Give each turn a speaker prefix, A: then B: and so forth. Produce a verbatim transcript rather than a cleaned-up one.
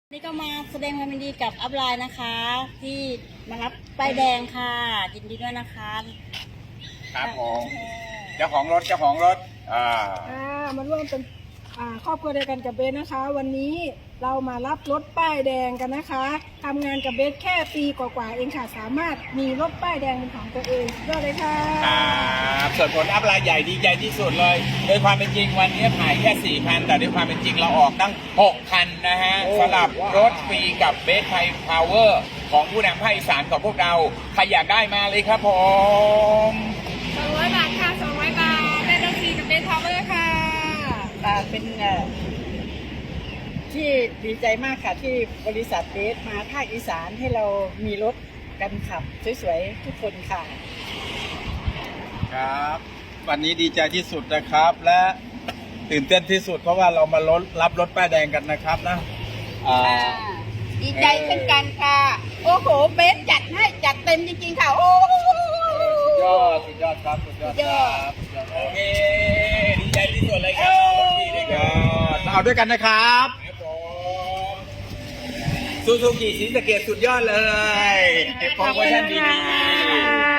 A: นี่ก็มาแสดงความยินดีกับอัพไลน์นะคะ ที่มารับป้ายแดงค่ะยินดีด้วยนะคะ
B: ครับผมเจ้าของรถเจ้าของรถอ่า
C: อ่ามาร่วมเป็นอ่าครอบครัวเดียวกันกับเบสนะคะ วันนี้เรามารับรถป้ายแดงกันนะคะทำงานกับเบสแค่ปีกว่าๆเองค่ะสามารถมีรถป้ายแดงเป็นของตัวเองยอดเลยค่ะ
B: ครับส่วนผลอัพไลน์ใหญ่ดีใจที่สุดเลย โดยความเป็นจริงวันนี้ถ่ายแค่สี่คันแต่ด้วยความเป็นจริงเราออกตั้งหกคันนะฮะสำหรับรถฟรีกับเบสไทยพาวเวอร์ของผู้นำภาคอีสานของพวกเราใครอยากได้มาเลยครับผม
C: สองร้อยบาทค่ะสองร้อยบาทได้รถฟรีกับเบสพาวเวอร์ค่ะ
D: อ่าเป็นเอ่อที่ดีใจมากค่ะที่บริษัทเบสมาภาคอีสานให้เรามีรถกันขับสวยๆทุกคนค่ะ
E: ครับวันนี้ดีใจที่สุดนะครับและตื่นเต้นที่สุดเพราะว่าเรามาลดรับรถป้ายแดงกันนะครับนะอ่า
D: ดีใจเช่นกันค่ะโอ้โหเบสจัดให้จัดเต็มจริงๆค่ะโอ้
E: สุดยอดสุดยอดครับสุดยอดครับ
B: โอเคดีใจที่สุดเลยครับรถฟรีด้วยกัน
E: เอาด้วยกันนะครับ
B: ครับผมซูซูกิศรีสะเกษสุดยอดเลยเก็บของเวอร์ชันดีๆ